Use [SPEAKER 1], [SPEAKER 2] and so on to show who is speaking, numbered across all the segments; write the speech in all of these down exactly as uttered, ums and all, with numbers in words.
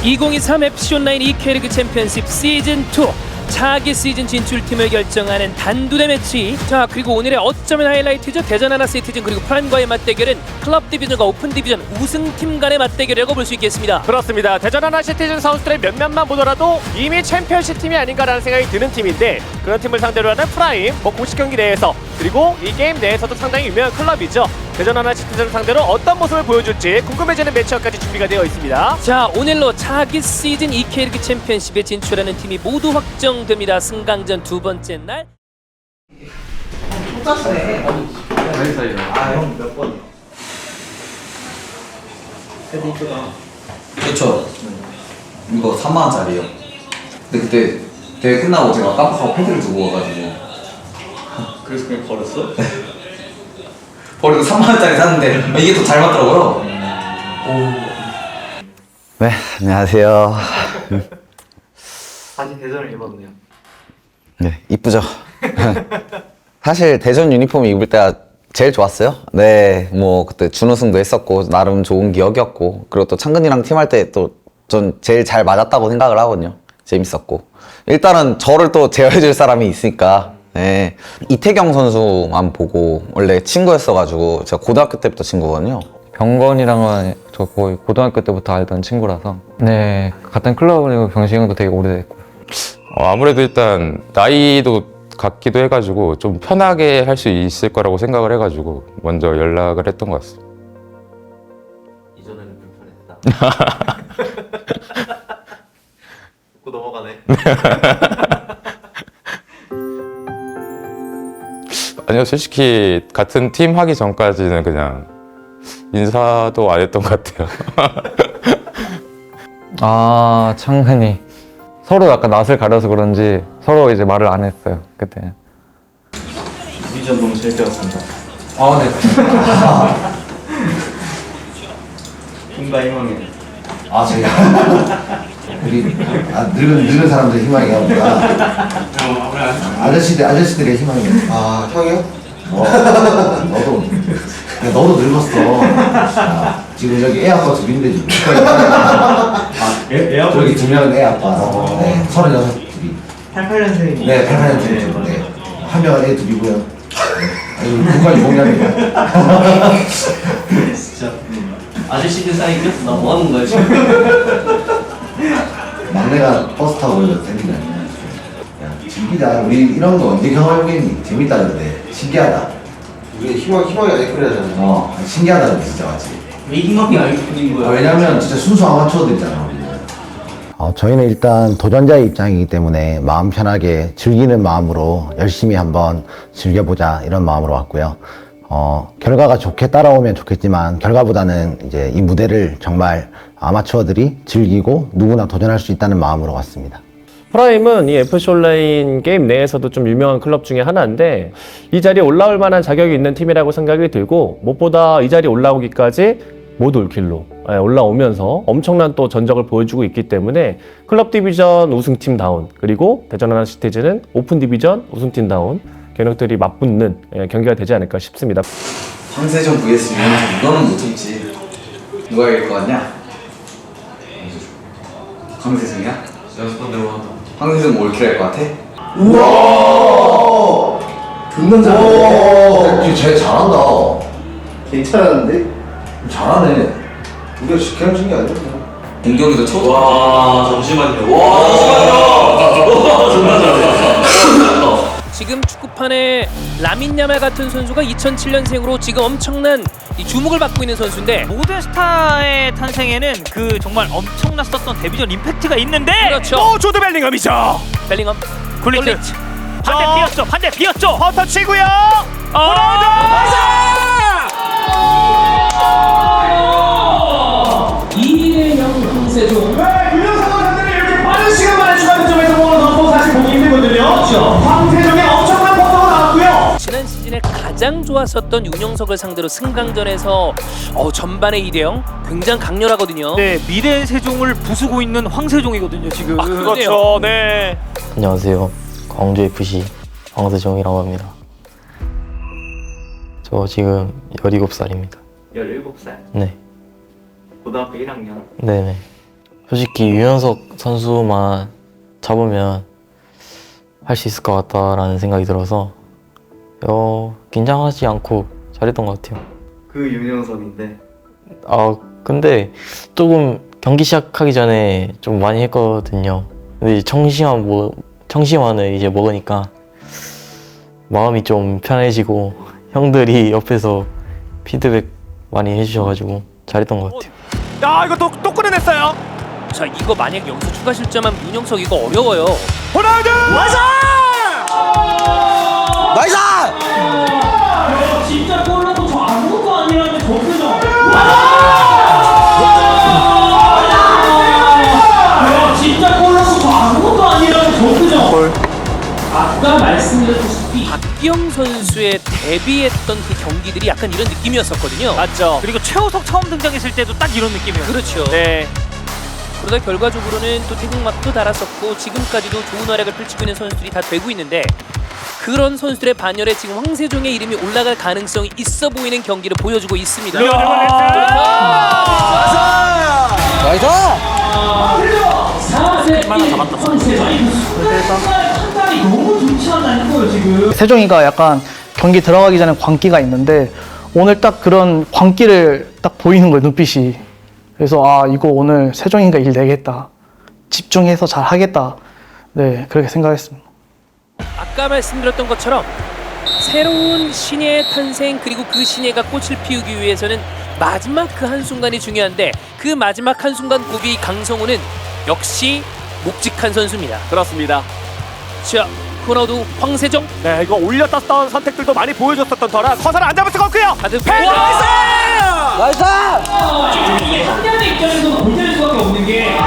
[SPEAKER 1] 이천이십삼 에프씨 온라인 이케이리그 챔피언십 시즌 투 차기 시즌 진출팀을 결정하는 단두대 매치. 자, 그리고 오늘의 어쩌면 하이라이트죠. 대전 하나시티즌 그리고 프란과의 맞대결은 클럽 디비전과 오픈 디비전 우승팀 간의 맞대결이라고 볼 수 있겠습니다.
[SPEAKER 2] 그렇습니다. 대전 하나시티즌 선수들의 몇몇만 보더라도 이미 챔피언십 팀이 아닌가라는 생각이 드는 팀인데, 그런 팀을 상대로 하는 프라임, 뭐 공식 경기 내에서 그리고 이 게임 내에서도 상당히 유명한 클럽이죠. 대전 하나시티즌을 상대로 어떤 모습을 보여줄지 궁금해지는 매치업까지 준비가 되어 있습니다.
[SPEAKER 1] 자, 오늘로 차기 시즌 이케이리그 챔피언십에 진출하는 팀이 모두 확정됩니다. 승강전 두 번째 날.
[SPEAKER 3] 똑같네. 아, 형 몇 번이요? 세대 이쁘다.
[SPEAKER 4] 그쵸. 이거 삼만 원짜리요. 근데 그때 대회 끝나고 제가 깜빡하고 패드를 두고 와가지고
[SPEAKER 3] 그래서 그냥 버렸어?
[SPEAKER 4] 버리고 삼만 원짜리 샀는데 이게 더 잘 맞더라고요.
[SPEAKER 5] 네, 안녕하세요.
[SPEAKER 3] 다시 대전을 입었네요.
[SPEAKER 5] 네, 이쁘죠? 사실 대전 유니폼 입을 때가 제일 좋았어요. 네, 뭐 그때 준우승도 했었고 나름 좋은 기억이었고, 그리고 또 창근이랑 팀할 때 또 전 제일 잘 맞았다고 생각을 하거든요. 재밌었고, 일단은 저를 또 제어해줄 사람이 있으니까. 네, 이태경 선수만 보고 원래 친구였어가지고 제가 고등학교 때부터 친구거든요.
[SPEAKER 6] 병건이랑은 저 거의 고등학교 때부터 알던 친구라서, 네, 같은 클럽이고 병식 형도 되게 오래됐고.
[SPEAKER 7] 어, 아무래도 일단 나이도 같기도 해가지고 좀 편하게 할 수 있을 거라고 생각을 해가지고 먼저 연락을 했던 것 같습니다.
[SPEAKER 3] 이전에는 불편했다. 듣고 넘어가네.
[SPEAKER 7] 아니요, 솔직히 같은 팀 하기 전까지는 그냥 인사도 안 했던 것 같아요.
[SPEAKER 6] 아, 창근이. 서로 약간 낯을 가려서 그런지 서로 이제 말을 안 했어요, 그때.
[SPEAKER 3] 디비전 너무 재밌었습니다.
[SPEAKER 4] 아, 네.
[SPEAKER 3] 힘과 희망이.
[SPEAKER 8] 아, 제가 우리 아, 늙은 늙은 사람들 희망이야 우리가. 아저씨들 아저씨들의 희망이야.
[SPEAKER 4] 아, 형이요?
[SPEAKER 8] 어, 너도 야, 너도 늙었어. 아, 지금 여기 애 아빠 둘인데 지금. 아,
[SPEAKER 3] 애, 애 아빠
[SPEAKER 8] 저기 두 명은 애 아빠. 네, 서른여섯 둘이.
[SPEAKER 3] 팔십팔 년생이고.
[SPEAKER 8] 네, 팔팔 년생. 네, 한 명은 애 둘이고요. 아니, 누가 유공남이야.
[SPEAKER 3] 진짜. 아저씨들 사이 꼈어. 나 뭐 하는 거야 지금?
[SPEAKER 8] 막내가 버스 타고 다니는 거야. 야, 즐기자. 우리 이런 거 언제 경험해보겠니? 재밌다던데. 신기하다.
[SPEAKER 4] 우리 희망, 희망이 아이콘이잖아요.
[SPEAKER 8] 어, 신기하다던데 진짜 맞지?
[SPEAKER 3] 왜 희망이 아이콘인
[SPEAKER 8] 아,
[SPEAKER 3] 거야?
[SPEAKER 8] 왜냐면 진짜 순수 아마추어들이잖아 우리는.
[SPEAKER 9] 어, 저희는 일단 도전자의 입장이기 때문에 마음 편하게 즐기는 마음으로 열심히 한번 즐겨보자 이런 마음으로 왔고요. 어, 결과가 좋게 따라오면 좋겠지만 결과보다는 이제 이 무대를 정말 아마추어들이 즐기고 누구나 도전할 수 있다는 마음으로 왔습니다.
[SPEAKER 2] 프라임은 이 에프씨 온라인 게임 내에서도 좀 유명한 클럽 중에 하나인데, 이 자리에 올라올 만한 자격이 있는 팀이라고 생각이 들고, 무엇보다 이 자리에 올라오기까지 못 올 길로 올라오면서 엄청난 또 전적을 보여주고 있기 때문에 클럽 디비전 우승팀다운, 그리고 대전 하나시티즌은 오픈 디비전 우승팀다운 경력들이 맞붙는 경기가 되지 않을까 싶습니다.
[SPEAKER 4] 황세종 vs 윤영석, 이거는 못 참지. 누가 이길 것 같냐? 황세종이야?
[SPEAKER 3] 연습한 대로 한다.
[SPEAKER 4] 황세종 올킬 할 것 같아?
[SPEAKER 8] 우와!
[SPEAKER 4] 듣는
[SPEAKER 8] 오, 쟤 잘한다.
[SPEAKER 4] 괜찮았는데?
[SPEAKER 8] 잘하네. 우리가 그냥 준게 아니야.
[SPEAKER 4] 공격에도 쳐.
[SPEAKER 3] 와, 잠시만요. 와, 잠시만요. 정말 잘한다.
[SPEAKER 1] 지금 축구판에 라민 야말 같은 선수가 이천칠 년생으로 지금 엄청난 이 주목을 받고 있는 선수인데,
[SPEAKER 10] 모든 스타의 탄생에는 그 정말 엄청났었던 데뷔전 임팩트가 있는데,
[SPEAKER 1] 그렇죠.
[SPEAKER 2] 또 조드 벨링엄이죠.
[SPEAKER 1] 벨링엄
[SPEAKER 10] 굴리트
[SPEAKER 1] 굴리트.
[SPEAKER 10] 반대
[SPEAKER 2] 어.
[SPEAKER 10] 비었죠, 반대 비었죠.
[SPEAKER 2] 허터 치고요.
[SPEAKER 1] 이 대 영 황세종.
[SPEAKER 2] 유명상 선수들이 이렇게 빠른 시간 만에 추가 득점에서 공을 넣고 사실 보기 힘들거든요. 황세종의 엄청난 퍼포가 나왔고요.
[SPEAKER 1] 지난 시즌에 가장 좋았었던 윤영석을 상대로 승강전에서 어, 전반에 이 대 영 굉장히 강렬하거든요.
[SPEAKER 10] 네, 미래 세종을 부수고 있는 황세종이거든요 지금.
[SPEAKER 1] 아,
[SPEAKER 2] 그렇죠. 네.
[SPEAKER 11] 안녕하세요. 광주에프씨 황세종이라고 합니다. 저 지금 열일곱 살입니다.
[SPEAKER 3] 열일곱 살.
[SPEAKER 11] 네.
[SPEAKER 3] 고등학교 일 학년.
[SPEAKER 11] 네네. 솔직히 유연석 선수만 잡으면 할 수 있을 것 같다라는 생각이 들어서 어, 긴장하지 않고 잘했던 것 같아요.
[SPEAKER 3] 그 윤영석인데
[SPEAKER 11] 아 근데 조금 경기 시작하기 전에 좀 많이 했거든요. 근데 이제 청심환 뭐 청심환을 이제 먹으니까 마음이 좀 편해지고 형들이 옆에서 피드백 많이 해주셔가지고 잘했던 것 같아요.
[SPEAKER 12] 야, 이거 또, 또 끊어냈어요.
[SPEAKER 1] 자, 이거 만약 여기서 추가 실점하면 윤영석 이거 어려워요.
[SPEAKER 12] 호날두! 나이스!
[SPEAKER 5] 나이스!
[SPEAKER 10] 진짜 골라도 저 아무것도 아니라는 거기서 진짜 골라도 저 아무것도 아니라는 거기서 아까 말씀드렸다시피
[SPEAKER 1] 박기영 선수의 데뷔했던 그 경기들이 약간 이런 느낌이었었거든요.
[SPEAKER 12] 맞죠.
[SPEAKER 10] 그리고 최우석 처음 등장했을 때도 딱 이런 느낌이었어요.
[SPEAKER 1] 그렇죠.
[SPEAKER 12] 네.
[SPEAKER 1] 그러다 결과적으로는 또 태극마크도 달았었고 지금까지도 좋은 활약을 펼치고 있는 선수들이 다 되고 있는데 그런 선수들의 반열에 지금 황세종의 이름이 올라갈 가능성이 있어 보이는 경기를 보여주고 있습니다.
[SPEAKER 12] 나이스!
[SPEAKER 10] 사 세트 황세종 판단이 너무 좋지 않나요 거예요 지금.
[SPEAKER 13] 세종이가 약간 경기 들어가기 전에 광기가 있는데 오늘 딱 그런 광기를 딱 보이는 거예요, 눈빛이. 그래서 아 이거 오늘 세종이가 일 내겠다, 집중해서 잘 하겠다, 네 그렇게 생각했습니다.
[SPEAKER 1] 아까 말씀드렸던 것처럼 새로운 신예의 탄생 그리고 그 신예가 꽃을 피우기 위해서는 마지막 그 한순간이 중요한데 그 마지막 한순간 고비 강성우는 역시 묵직한 선수입니다.
[SPEAKER 12] 그렇습니다.
[SPEAKER 1] 자, 호나우두 황세종.
[SPEAKER 12] 네, 이거 올렸다 던 선택들도 많이 보여줬었던 터라 커서는 안 잡을 수가 없고요.
[SPEAKER 1] 가드
[SPEAKER 12] 나이스!
[SPEAKER 5] 나이스!
[SPEAKER 10] 이게 상대의 입장에서는 골대일 수밖에 없는 게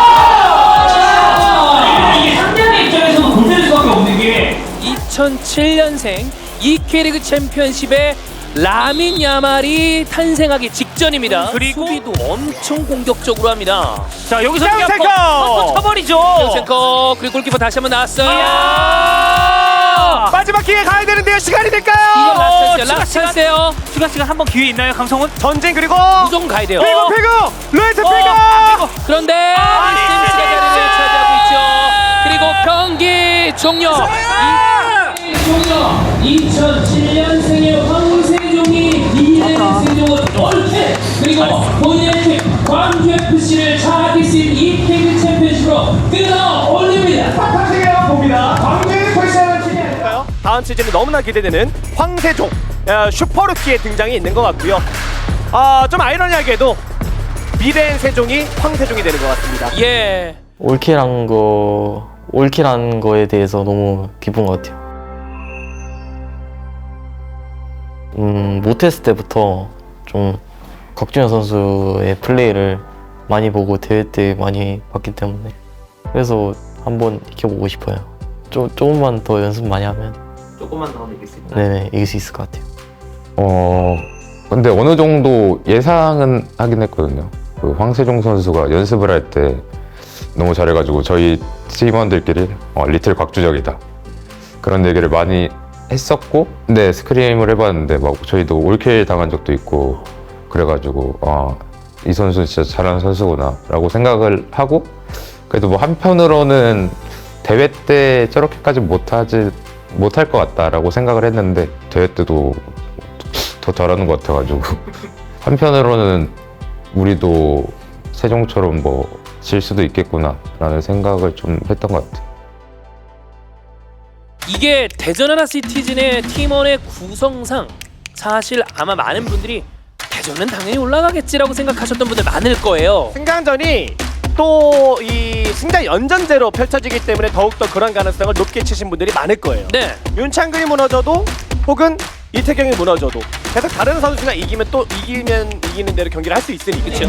[SPEAKER 10] 이게 상대의 입장에서는 골대일 수밖에 없는 게
[SPEAKER 1] 이천칠 년생 이 K리그 챔피언십에 라민 야말이 탄생하기 직전입니다.
[SPEAKER 10] 그리고
[SPEAKER 1] 수비도 엄청 공격적으로 합니다.
[SPEAKER 10] 자 여기서
[SPEAKER 12] 양
[SPEAKER 10] 그냥
[SPEAKER 12] 탱커!
[SPEAKER 10] 버- 쳐버리죠.
[SPEAKER 1] 센커 그리고 골키퍼 다시 한번 나왔어요.
[SPEAKER 12] 이야! 마지막 기회 가야 되는데요. 시간이 될까요?
[SPEAKER 1] 이건 라스트였어요.
[SPEAKER 10] 추가
[SPEAKER 1] 라스트
[SPEAKER 10] 시간.
[SPEAKER 1] 찬스예요.
[SPEAKER 10] 추가 시간 한 번 기회 있나요, 강성훈?
[SPEAKER 12] 전진 그리고
[SPEAKER 1] 무조건 가야 돼요.
[SPEAKER 12] 피고 피고 루이스
[SPEAKER 1] 어,
[SPEAKER 12] 피고
[SPEAKER 1] 그런데 리스템스가 자리를 차지하고 있죠. 그리고 경기 종료.
[SPEAKER 10] 종료. 이천칠 년생의 황세종이 이 대 세종을 옳게 그리고 본인의 팀 광주에프씨를 차기 시즌 이 K리그 챔피언십으로 끌어올립니다.
[SPEAKER 12] 탁탁하게 봅니다. 광주에프씨를 팀이니까요. 다음 시즌이 너무나 기대되는 황세종 어, 슈퍼루키의 등장이 있는 것 같고요. 아, 좀 아이러니하게도 미래의 세종이 황세종이 되는 것 같습니다.
[SPEAKER 1] 예.
[SPEAKER 11] 올킬한 거 올킬한 거에 대해서 너무 기쁜 것 같아요. 음, 못했을 때부터 좀 곽준현 선수의 플레이를 많이 보고 대회 때 많이 봤기 때문에 그래서 한번 익혀보고 싶어요. 조, 조금만 더 연습 많이 하면
[SPEAKER 3] 조금만 더 하면 이길 수 있다.
[SPEAKER 11] 네네 이길 수 있을 것 같아요.
[SPEAKER 7] 어 근데 어느 정도 예상은 하긴 했거든요. 그 황세종 선수가 연습을 할 때 너무 잘해가지고 저희 팀원들끼리 어, 리틀 곽주적이다 그런 얘기를 많이 했었고, 근데 스크림을 해봤는데 막 저희도 올킬 당한 적도 있고 그래가지고 아, 이 선수는 진짜 잘하는 선수구나 라고 생각을 하고, 그래도 뭐 한편으로는 대회 때 저렇게까지 못하지 못할 것 같다라고 생각을 했는데 대회 때도 더 잘하는 것 같아가지고 한편으로는 우리도 세종처럼 뭐 질 수도 있겠구나 라는 생각을 좀 했던 것 같아요.
[SPEAKER 1] 이게 대전 하나 시티즌의 팀원의 구성상 사실 아마 많은 분들이 대전은 당연히 올라가겠지라고 생각하셨던 분들 많을 거예요.
[SPEAKER 12] 승강전이 또 이 승자 연전제로 펼쳐지기 때문에 더욱더 그런 가능성을 높게 치신 분들이 많을 거예요.
[SPEAKER 1] 네.
[SPEAKER 12] 윤창근이 무너져도 혹은 이태경이 무너져도 계속 다른 선수가 이기면 또 이기면 이기는 대로 경기를 할 수 있으니까.
[SPEAKER 1] 그렇죠.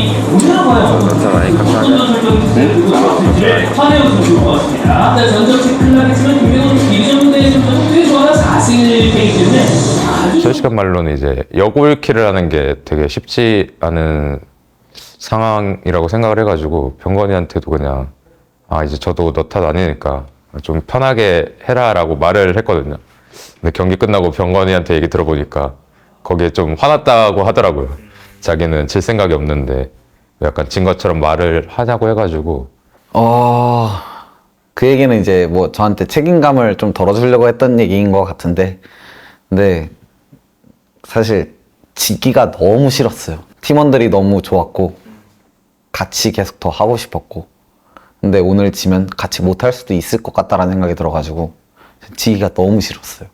[SPEAKER 7] 솔직한 말로는 이제 역올킬을 하는 게 되게 쉽지 않은 상황이라고 생각을 해가지고 병건이한테도 그냥 아 이제 저도 너 탓 아니니까 좀 편하게 해라라고 말을 했거든요. 근데 경기 끝나고 병건이한테 얘기 들어보니까 거기에 좀 화났다고 하더라고요. 자기는 질 생각이 없는데 약간 진 것처럼 말을 하자고 해가지고
[SPEAKER 5] 어, 그 얘기는 이제 뭐 저한테 책임감을 좀 덜어주려고 했던 얘기인 것 같은데, 근데 사실 지기가 너무 싫었어요. 팀원들이 너무 좋았고 같이 계속 더 하고 싶었고, 근데 오늘 지면 같이 못할 수도 있을 것 같다라는 생각이 들어가지고 지기가 너무 싫었어요.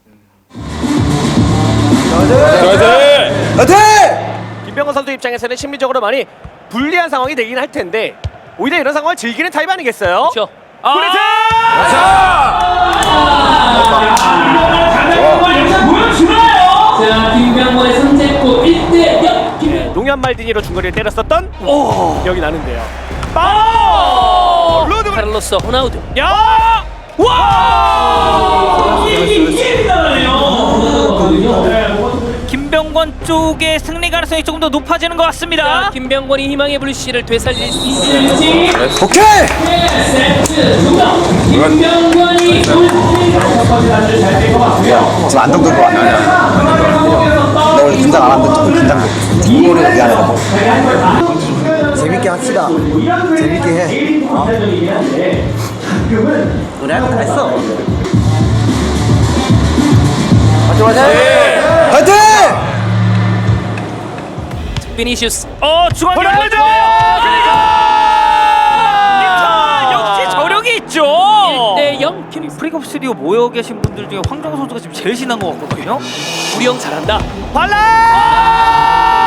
[SPEAKER 12] 김병건 선수 입장에서는 심리적으로 많이 불리한 상황이 되긴 할 텐데 오히려 이런 상황을 즐기는 타입 아니겠어요?
[SPEAKER 1] 그렇죠.
[SPEAKER 12] 브레이트!
[SPEAKER 10] 자, 김병건의 선제골 일 대 영.
[SPEAKER 12] 농현 말디니로 중거리를 때렸었던 기억이 나는데요. 빠! 로드
[SPEAKER 1] 카를로스 호나우두.
[SPEAKER 12] 야! 와!
[SPEAKER 10] 이게 나네요.
[SPEAKER 14] 김병건 쪽의 승리 가능성이 조금 더 높아지는 것 같습니다.
[SPEAKER 1] 자, 김병건이 희망의 불씨를 되살릴 수 있을지.
[SPEAKER 5] 오케이!
[SPEAKER 10] 세트 중간. 김병건이
[SPEAKER 5] 지금 안정될 거 아니야? 나 원래 긴장 안 하는데 조금 긴장돼. 뒷골이 미안해서.
[SPEAKER 9] 재밌게 합시다. 재밌게 해. 어? 우리 할거 다 했어.
[SPEAKER 5] 화이팅!
[SPEAKER 1] 비니시우스.
[SPEAKER 14] 어, 중앙
[SPEAKER 12] 호날두!
[SPEAKER 14] 역시 저력이 있죠.
[SPEAKER 1] 일 대 영.
[SPEAKER 14] 프리컵 스튜디오 모여 계신 분들 중에 황정호 선수가 지금 제일 신난 것 같거든요.
[SPEAKER 1] 우리 형 잘한다.
[SPEAKER 12] 발라!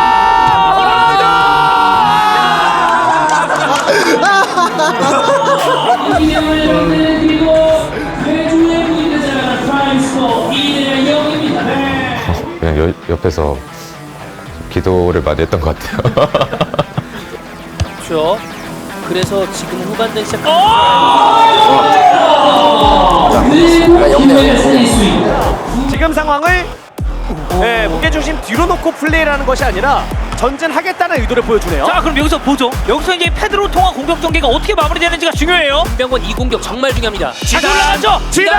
[SPEAKER 10] 이명을 그리고 외주의 부인을 자랑하는 프라임 스코어 이 대 영입니다.
[SPEAKER 7] 그냥 여, 옆에서 기도를 많이 했던 것 같아요.
[SPEAKER 1] 그렇죠. 그래서 지금 후반전 시작.
[SPEAKER 12] 지금 상황을 네, 무게중심 뒤로 놓고 플레이를 하는 것이 아니라 전진하겠다는 의도를 보여주네요.
[SPEAKER 14] 자, 그럼 여기서 보죠. 여기서 이제 패드로 통한 공격 전개가 어떻게 마무리되는지가 중요해요.
[SPEAKER 1] 김병건 이 공격 정말 중요합니다.
[SPEAKER 14] 지단 올라가죠.
[SPEAKER 12] 지단!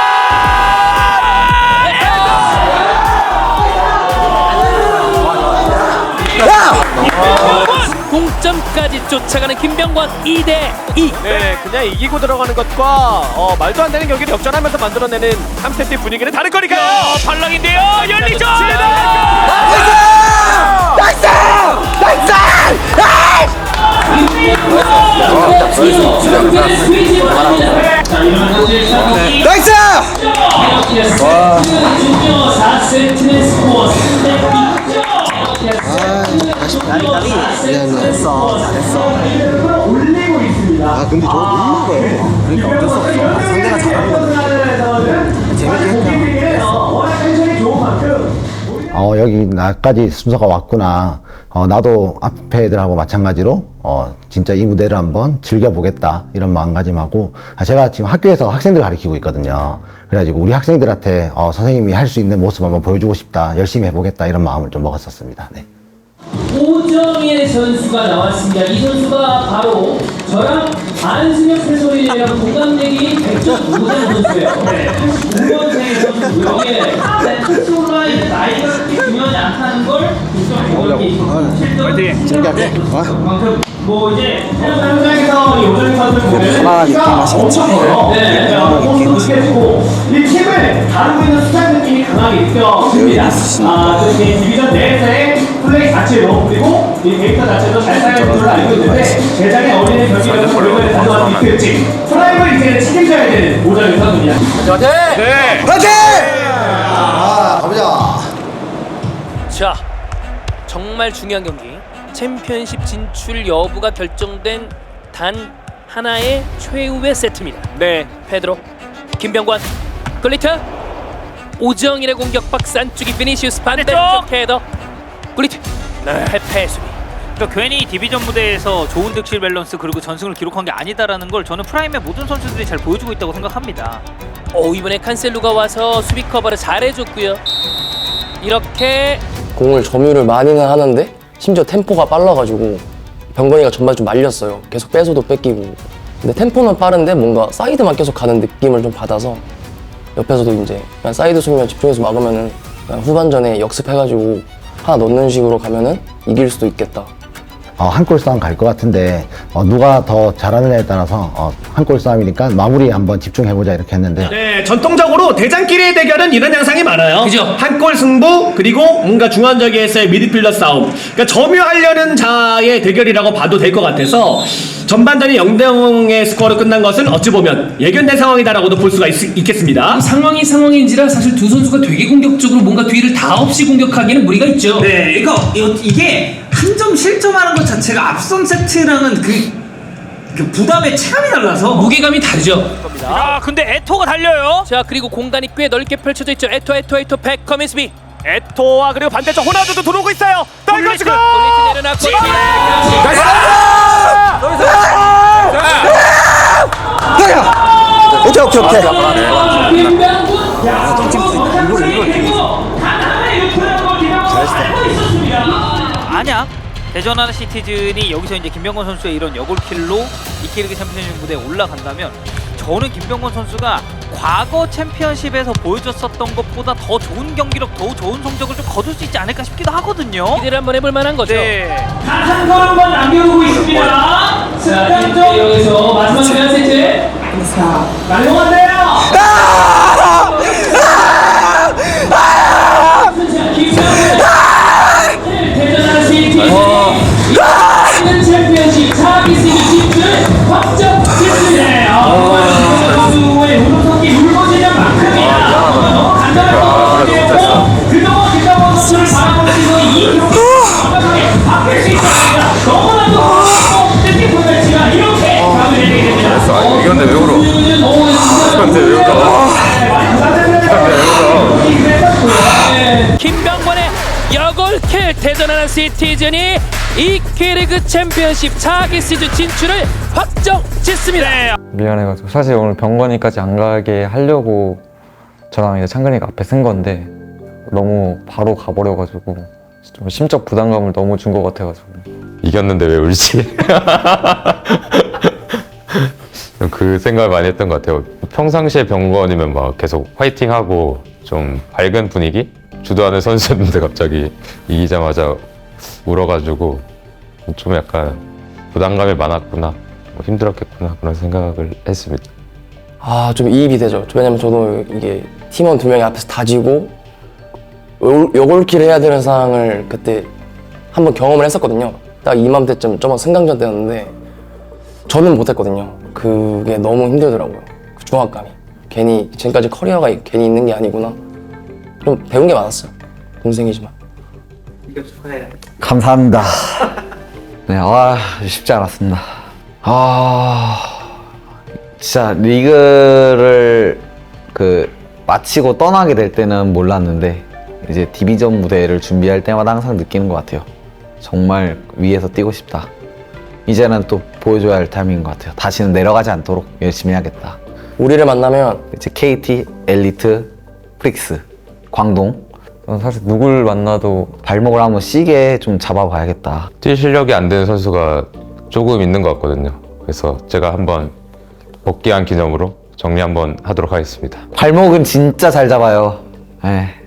[SPEAKER 1] 동점까지 쫓아가는 김병건 이 대 이.
[SPEAKER 12] 네, 그냥 이기고 들어가는 것과 어, 말도 안 되는 경기를 역전하면서 만들어내는 삼 세트 분위기는 다를 거니까요.
[SPEAKER 14] 어, 발락인데요. 열리죠.
[SPEAKER 5] 나이스! 나이스! 나이스!
[SPEAKER 10] 사 세트의 스코어 삼 대 이.
[SPEAKER 9] 나비 잘했어. 잘했어. 아 근데 저거 못 먹어요. 그러니까 어쩔 수 없어. 상대가 잘하는 거는 재밌게 했잖아. 어 여기 나까지 순서가 왔구나. 어 나도 앞에 애들하고 마찬가지로 어 진짜 이 무대를 한번 즐겨보겠다 이런 마음가짐하고, 아, 제가 지금 학교에서 학생들 가르치고 있거든요. 그래가지고 우리 학생들한테 어, 선생님이 할 수 있는 모습 한번 보여주고 싶다, 열심히 해보겠다 이런 마음을 좀 먹었었습니다. 네.
[SPEAKER 10] 오정일 선수가 나왔습니다. 이 선수가 바로 저랑 안승혁 해설위원이랑 동갑내기인 백전 노선 선수예요. 팔십구 년생 선수고요. 예. 특수라인 나이가 그렇게 중요하지 않다는 걸
[SPEAKER 9] 파이팅! 재밌게
[SPEAKER 10] 그만큼 뭐 이제 현장에서 오정일 선수 보면
[SPEAKER 9] 편안하게
[SPEAKER 10] 엄청 커요. 네, 포스도 크고 이 팀을 다루고 있는 수장 느낌이 강하게 느껴집니다. 아, 그 디비전 내에서의 플레이 자체로, 그리고 이 데이터 자체도 잘 사용하는 걸로 알고 있는데 대장에 어울리는 경기력을 결국에 가져갈 수 있을지 프라임을 이제 책임져야 되는 오정일 선수입니다.
[SPEAKER 12] 네.
[SPEAKER 5] 화이팅!
[SPEAKER 9] 아 가보자.
[SPEAKER 1] 자, 정말 중요한 경기. 챔피언십 진출 여부가 결정된 단 하나의 최후의 세트입니다.
[SPEAKER 12] 네.
[SPEAKER 1] 페드로, 김병관, 글리트, 오정일의 공격 박스 안쪽이 비니시우스 반대쪽 헤더, 글리트,
[SPEAKER 12] 네.
[SPEAKER 1] 페페의 수비.
[SPEAKER 14] 그러니까 괜히 디비전 무대에서 좋은 득실 밸런스 그리고 전승을 기록한 게 아니다라는 걸 저는 프라임의 모든 선수들이 잘 보여주고 있다고 생각합니다.
[SPEAKER 1] 오, 이번에 칸셀루가 와서 수비 커버를 잘해줬고요. 이렇게
[SPEAKER 15] 공을 점유를 많이는 하는데 심지어 템포가 빨라가지고 병건이가 정말 좀 말렸어요. 계속 뺏어도 뺏기고. 근데 템포는 빠른데 뭔가 사이드만 계속 가는 느낌을 좀 받아서 옆에서도 이제 그냥 사이드 수비만 집중해서 막으면은 그냥 후반전에 역습해가지고 하나 넣는 식으로 가면은 이길 수도 있겠다.
[SPEAKER 9] 어, 한 골 싸움 갈 것 같은데 어, 누가 더 잘하느냐에 따라서 어, 한 골 싸움이니까 마무리 한번 집중해보자 이렇게 했는데
[SPEAKER 12] 네, 전통적으로 대장끼리의 대결은 이런 양상이 많아요.
[SPEAKER 1] 그죠?
[SPEAKER 12] 한 골 승부 그리고 뭔가 중앙적에서의 미드필더 싸움. 그러니까 점유하려는 자의 대결이라고 봐도 될 것 같아서 전반전이 영 대 영의 스코어로 끝난 것은 어찌 보면 예견된 상황이다라고도 볼 수가 있, 있겠습니다.
[SPEAKER 10] 상황이 상황인지라 사실 두 선수가 되게 공격적으로 뭔가 뒤를 다 없이 공격하기에는 무리가 있죠.
[SPEAKER 14] 네, 그러니까 이- 이게 한 점 실점하는 것 자체가 앞선 세트랑은 그, 그 부담의 체감이 달라서
[SPEAKER 10] 무게감이 다르죠.
[SPEAKER 14] 아, 근데 에토가 달려요.
[SPEAKER 1] 자 그리고 공간이 꽤 넓게 펼쳐져 있죠. 에토 에토 에토 백컴 에스비.
[SPEAKER 12] 에토와 그리고 반대쪽 호나우두도 들어오고 있어요. 떨궈주고
[SPEAKER 1] 블리츠 내려놨고
[SPEAKER 5] 오케이 오케이 오케이.
[SPEAKER 14] 만약 대전하나 시티즌이 여기서 이제 김병건 선수의 이런 여골킬로 이케리그 챔피언십 무대에 올라간다면 저는 김병건 선수가 과거 챔피언십에서 보여줬었던 것보다 더 좋은 경기력, 더 좋은 성적을 좀 거둘 수 있지 않을까 싶기도 하거든요.
[SPEAKER 1] 기대를 한번 해볼 만한 거죠.
[SPEAKER 14] 네.
[SPEAKER 10] 한 걸음만 남겨두고 있습니다. 승강전 여기서 마지막 세 세트. 날롱한데요. 대전하나 시티즌이 이기는 챔피언십 사 기 시즌 진출 확정 짓습니다. 선수의 운동성기 울고지장만큼이나 너무 간단할 것 같은데요. 그동안 김병건 선수를 바라볼 수 있는 이 경기 완벽하게 바뀔 수 있습니다. 너무나도 뜻깊은 매치가 이렇게 마무리되게 됩니다.
[SPEAKER 7] 이건데 왜 울어? 이건데 왜 울어?
[SPEAKER 1] 김병권의 여골킬 대전하나 시티즌이 이케리그 챔피언십 사 기 시즌 진출을 확정 짓습니다.
[SPEAKER 6] 미안해가지고 사실 오늘 병건이까지 안 가게 하려고 저랑 이제 창근이가 앞에 쓴 건데 너무 바로 가버려가지고 좀 심적 부담감을 너무 준 것 같아가지고.
[SPEAKER 7] 이겼는데 왜 울지? 그 생각을 많이 했던 것 같아요. 평상시에 병건이면 막 계속 화이팅하고 좀 밝은 분위기? 주도하는 선수였는데 갑자기 이기자마자 울어가지고 좀 약간 부담감이 많았구나, 뭐 힘들었겠구나 그런 생각을 했습니다.
[SPEAKER 15] 아, 좀 이입이 되죠. 왜냐면 저도 이게 팀원 두 명이 앞에서 다지고 여골킬 해야 되는 상황을 그때 한번 경험을 했었거든요. 딱 이맘때쯤 저번 승강전 때였는데 저는 못했거든요. 그게 너무 힘들더라고요. 그 중압감이. 괜히 지금까지 커리어가 괜히 있는 게 아니구나. 좀 배운 게 많았어요. 동생이지만.
[SPEAKER 5] 감사합니다. 네, 아 쉽지 않았습니다. 아 진짜 리그를 그 마치고 떠나게 될 때는 몰랐는데 이제 디비전 무대를 준비할 때마다 항상 느끼는 것 같아요. 정말 위에서 뛰고 싶다. 이제는 또 보여줘야 할 타이밍인 것 같아요. 다시는 내려가지 않도록 열심히 해야겠다.
[SPEAKER 15] 우리를 만나면
[SPEAKER 5] 이제 케이티, 엘리트, 프릭스, 광동.
[SPEAKER 6] 저는 사실 누굴 만나도
[SPEAKER 5] 발목을 한번 시게 좀 잡아봐야겠다.
[SPEAKER 7] 뛸 실력이 안 되는 선수가 조금 있는 것 같거든요. 그래서 제가 한번 복귀한 기념으로 정리 한번 하도록 하겠습니다.
[SPEAKER 5] 발목은 진짜 잘 잡아요. 네.